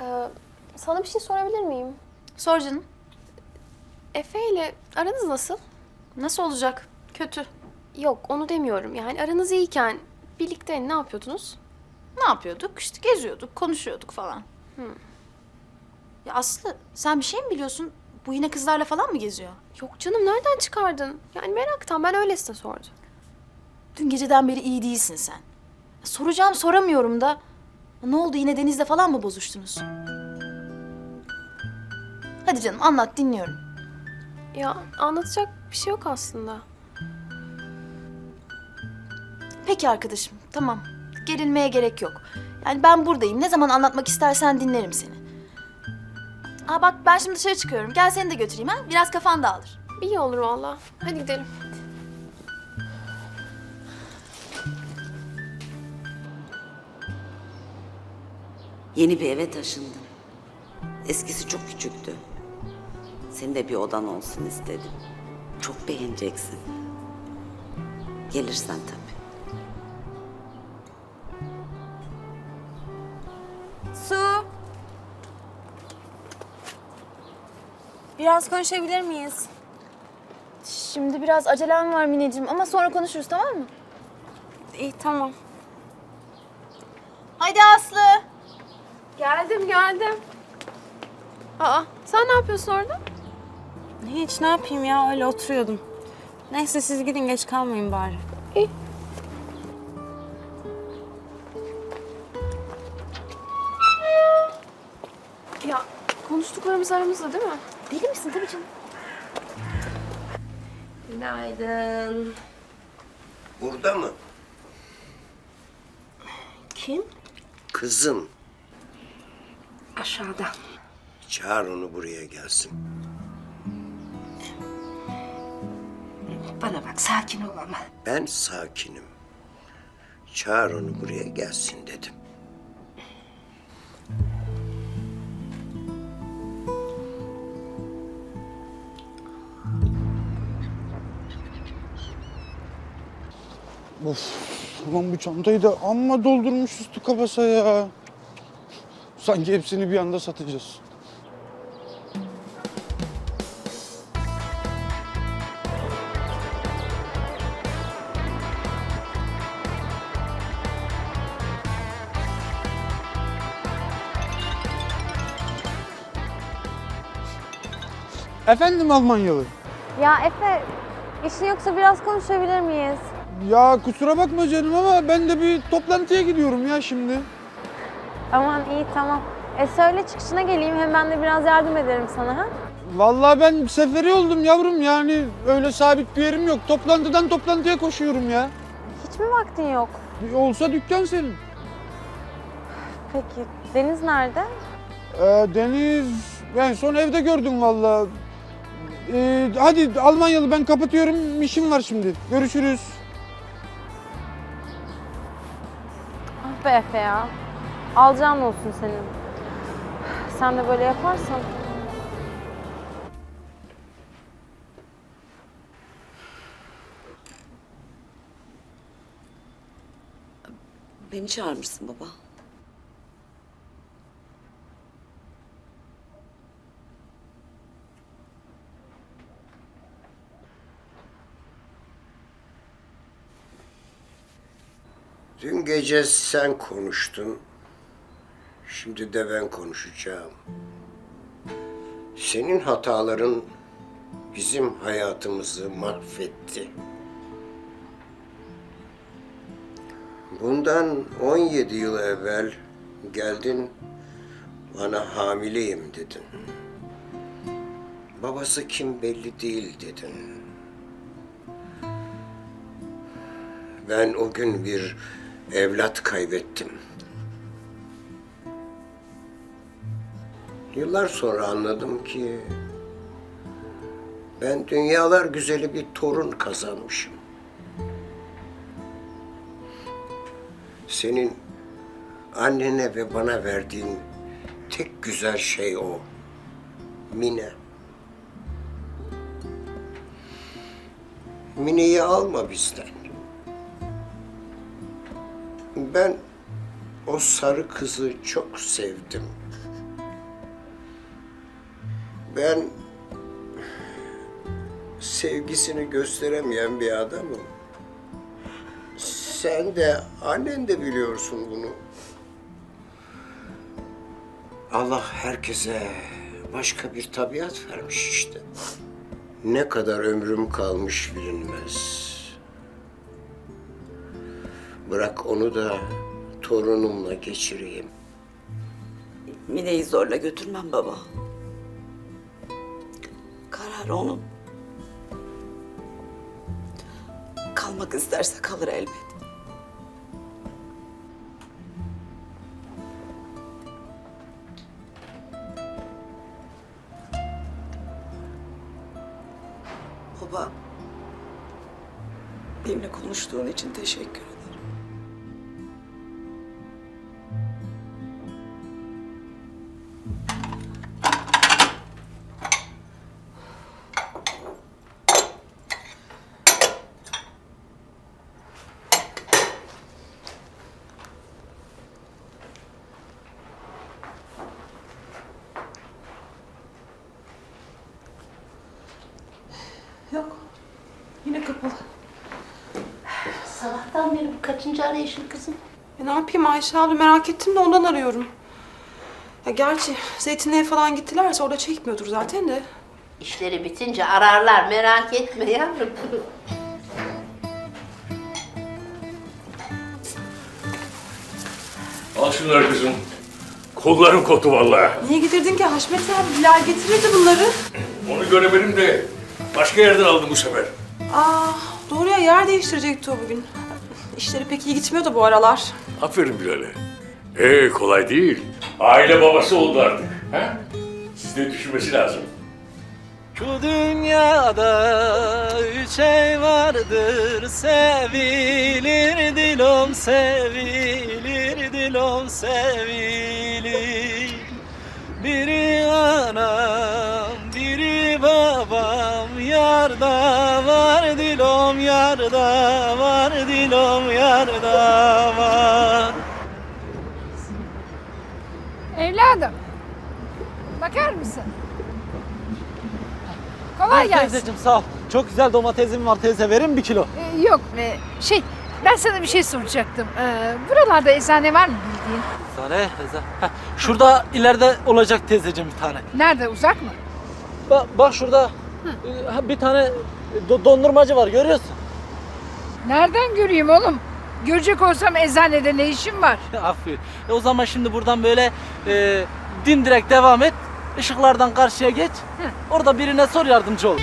Sana bir şey sorabilir miyim? Sor canım. Efe ile aranız nasıl? Nasıl olacak? Kötü. Yok, onu demiyorum. Yani aranız iyiyken birlikte ne yapıyordunuz? Ne yapıyorduk? İşte geziyorduk, konuşuyorduk falan. Ya Aslı, sen bir şey mi biliyorsun? Bu yine kızlarla falan mı geziyor? Yok canım, nereden çıkardın? Yani meraktan, ben öylesine sordum. Dün geceden beri iyi değilsin sen. Soracağım soramıyorum da. Ne oldu, yine Deniz'le falan mı bozuştunuz? Hadi canım anlat, dinliyorum. Ya anlatacak bir şey yok aslında. Peki arkadaşım, tamam. Gerilmeye gerek yok. Yani ben buradayım. Ne zaman anlatmak istersen dinlerim seni. Aa bak, ben şimdi dışarı çıkıyorum. Gel seni de götüreyim ha. Biraz kafan dağılır. İyi olur valla. Hadi gidelim. Yeni bir eve taşındım. Eskisi çok küçüktü. Senin de bir odan olsun istedim. Çok beğeneceksin. Gelirsen tabii. Su. Biraz konuşabilir miyiz? Şimdi biraz acelem var Mineciğim ama sonra konuşuruz, tamam mı? İyi, tamam. Haydi Aslı. Geldim. Aa, sen ne yapıyorsun orada? Hiç, ne yapayım ya, öyle oturuyordum. Neyse siz gidin, geç kalmayın bari. İyi. Ya konuştuklarımız aramızda değil mi? Deli misin? Tabii canım. Günaydın. Burada mı? Kim? Kızım. Aşağıda. Çağır onu buraya gelsin. Bana bak, sakin ol ama. Ben sakinim. Çağır onu buraya gelsin dedim. Of, ulan bu çantayı da amma doldurmuş üstü kapasa ya. Sanki hepsini bir anda satacağız. Efendim Almanyalı. Ya Efe, işin yoksa biraz konuşabilir miyiz? Ya kusura bakma canım ama ben de bir toplantıya gidiyorum ya şimdi. Aman iyi, tamam. Söyle çıkışına geleyim, hem ben de biraz yardım ederim sana, ha? Vallahi ben seferi oldum yavrum, yani öyle sabit bir yerim yok. Toplantıdan toplantıya koşuyorum ya. Hiç mi vaktin yok? Olsa dükkan senin. Peki, Deniz nerede? Deniz, ben son evde gördüm vallahi. Hadi Almanyalı, ben kapatıyorum, işim var şimdi. Görüşürüz. Ah be Efe ya. Alacağın olsun senin. Sen de böyle yaparsan. Beni çağırmışsın baba. Dün gece sen konuştun. Şimdi de ben konuşacağım. Senin hataların bizim hayatımızı mahvetti. Bundan 17 yıl evvel geldin, bana hamileyim dedin. Babası kim belli değil dedin. Ben o gün bir evlat kaybettim. Yıllar sonra anladım ki ben dünyalar güzeli bir torun kazanmışım. Senin annene ve bana verdiğin tek güzel şey o. Mine. Mine'yi alma bizden. Ben o sarı kızı çok sevdim. Ben sevgisini gösteremeyen bir adamım. Sen de annen de biliyorsun bunu. Allah herkese başka bir tabiat vermiş işte. Ne kadar ömrüm kalmış bilinmez. Bırak onu da torunumla geçireyim. Mine'yi zorla götürmem baba. Karar onun. Kalmak isterse kalır elbet. Baba, benimle konuştuğun için teşekkür ederim. Yok. Yine kapalı. Sabahtan beri bu kaçıncı arayışın kızım? Ne yapayım Ayşe abla, merak ettim de ondan arıyorum. Ya gerçi Zeytinliğe falan gittilerse orada çekmiyordur zaten de. İşleri bitince ararlar, merak etme yavrum. Al şunları kızım. Kollarım koptu vallahi. Niye getirdin ki Haşmet abi? Bilal getirirdi bunları. Onu göremedim de başka yerden aldım bu sefer. Aa, doğru ya, yer değiştirecekti o bugün. İşleri pek iyi gitmiyor da bu aralar. Aferin Bilal'e. Kolay değil. Aile babası oldu artık. Ha? Siz de düşünmesi lazım. Şu dünyada üç şey vardır, sevilir dilom, sevilir dilom, sevilir. Biri anam, biri babam, yarda var dilom, yarda var dilom, yarda var. Evladım, bakar mısın? Kolay gelsin. Teyzeciğim sağ ol. Çok güzel domatesim var teyze, verin mi 1 kilo? Yok, ben sana bir şey soracaktım. Buralarda eczane var mı bildiğin? Teyze, teyze. Şurada ileride olacak teyzeciğim bir tane. Nerede, uzak mı? Bak şurada bir tane dondurmacı var, görüyorsun. Nereden göreyim oğlum? Görecek olsam eczanede ne işim var? Aferin. O zaman şimdi buradan böyle dimdirek devam et. Işıklardan karşıya geç. Orada birine sor, yardımcı ol.